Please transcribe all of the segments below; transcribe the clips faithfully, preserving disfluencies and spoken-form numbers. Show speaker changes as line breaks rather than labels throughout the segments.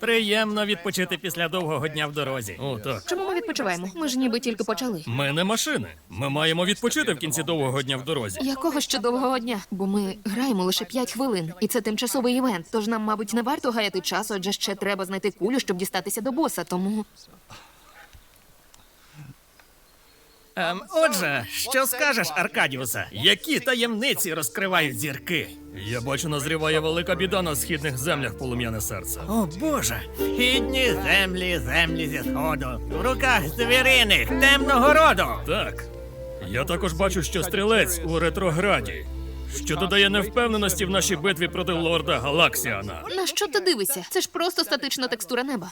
Приємно відпочити після довгого дня в дорозі.
О, так.
Чому ми відпочиваємо? Ми ж ніби тільки почали.
Ми не машини. Ми маємо відпочити в кінці довгого дня в дорозі.
Якого ще довгого дня? Бо ми граємо лише п'ять хвилин, і це тимчасовий івент. Тож нам, мабуть, не варто гаяти час, адже ще треба знайти кулю, щоб дістатися до боса. Тому
Ем, отже, що скажеш, Аркадіусе? Які таємниці розкривають зірки?
Я бачу, назріває велика біда на східних землях, полум'яне серце.
О, Боже! Східні землі, землі зі сходу. В руках звіриних, темного роду.
Так. Я також бачу, що стрілець у ретрограді, що додає невпевненості в нашій битві проти лорда Галаксіана.
на що ти дивишся? Це ж просто статична текстура неба.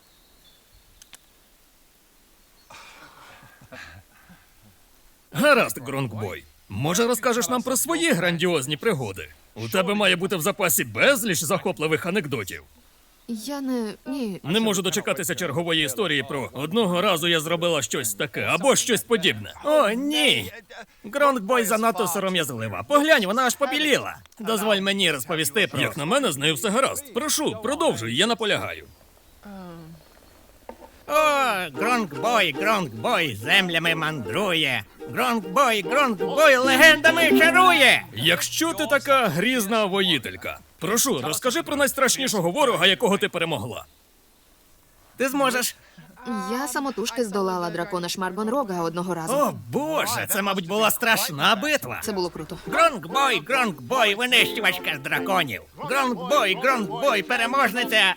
Гаразд, Гронгбой. Може, розкажеш нам про свої грандіозні пригоди? У тебе має бути в запасі безліч захопливих анекдотів.
Я не. Ні.
Не можу дочекатися чергової історії про одного разу я зробила щось таке або щось подібне.
О, ні! Гронгбой занадто сором'язлива. Поглянь, вона аж побіліла. Дозволь мені розповісти про...
Як на мене, з нею все гаразд. Прошу, продовжуй, я наполягаю.
О, Гронгбой, Гронгбой землями мандрує. Гронгбой, Гронгбой легендами чарує.
Якщо ти така грізна воїтелька, прошу, розкажи про найстрашнішого ворога, якого ти перемогла.
Ти зможеш.
Я самотужки здолала дракона Шмаргонрога одного разу.
О, Боже, це, мабуть, була страшна битва.
Це було круто.
Гронгбой, Гронгбой, винищувачка з драконів. Гронгбой, Гронгбой, переможниця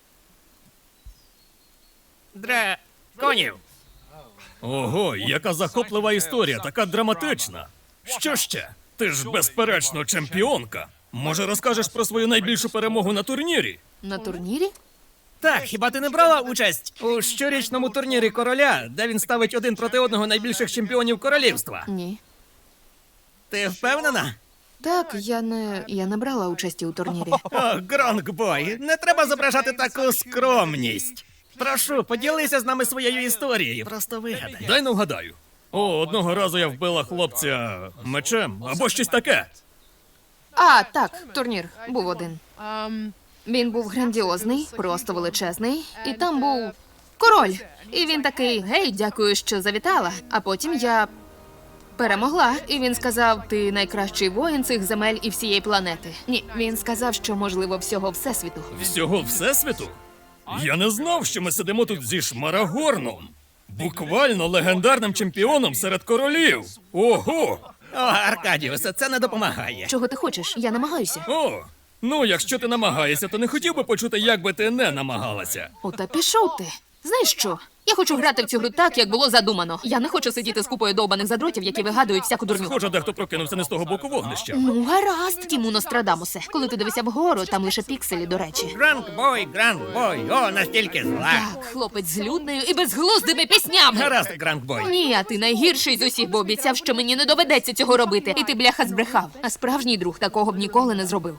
драконів.
Ого, яка захоплива історія, така драматична. Що ще? Ти ж, безперечно, чемпіонка. Може, розкажеш про свою найбільшу перемогу на турнірі?
На турнірі?
Так, хіба ти не брала участь у щорічному турнірі короля, де він ставить один проти одного найбільших чемпіонів королівства?
Ні.
Ти впевнена?
Так, я не. Я не брала участі у турнірі.
О, Гронгбой, не треба зображати таку скромність. Прошу, поділися з нами своєю історією. Просто вигадай.
Дай не вгадаю. О, одного разу я вбила хлопця мечем або щось таке.
А, так, турнір був один. Він був грандіозний, просто величезний, і там був король. І він такий: гей, дякую, що завітала. А потім я перемогла, і він сказав: ти найкращий воїн цих земель і всієї планети. Ні, він сказав, що можливо всього всесвіту.
Всього всесвіту? Я не знав, що ми сидимо тут зі Шмарагорном. Буквально легендарним чемпіоном серед королів. Ого!
О, Аркадіусе, це не допомагає.
Чого ти хочеш? Я намагаюся.
О! Ну, якщо ти намагаєшся, то не хотів би почути, як би ти не намагалася.
О, та пішов ти. Знаєш що? Я хочу грати в цю гру так, як було задумано. Я не хочу сидіти з купою довбаних задротів, які вигадують всяку дурню.
Схоже, дехто прокинувся не з того боку вогнища.
Ну, гаразд, Тіму Нострадамусе. Коли ти дивишся вгору, там лише пікселі, до речі.
Гронгбой, Гронгбой, о, настільки зла.
Так, хлопець з людною і безглуздими піснями.
Гаразд, Гронгбой.
Ні, а ти найгірший з усіх, бо обіцяв, що мені не доведеться цього робити. І ти, бляха, збрехав. А справжній друг такого б ніколи не зробив.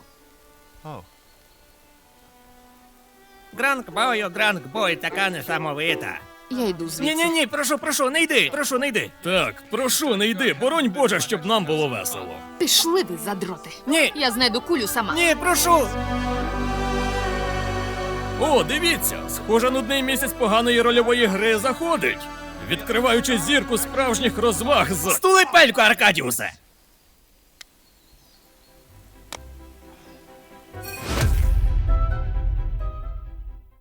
Гронгбою, Гронгбой, така несамовита.
Я йду звідси.
Ні-ні-ні, прошу, прошу, не йди, прошу, не йди.
Так, прошу, не йди, боронь Боже, щоб нам було весело.
Пішли ви, задроти.
Ні,
Я знайду кулю сама.
ні, прошу.
О, дивіться, схоже, нудний місяць поганої рольової гри заходить, відкриваючи зірку справжніх розваг з...
Стули пельку, Аркадіусе.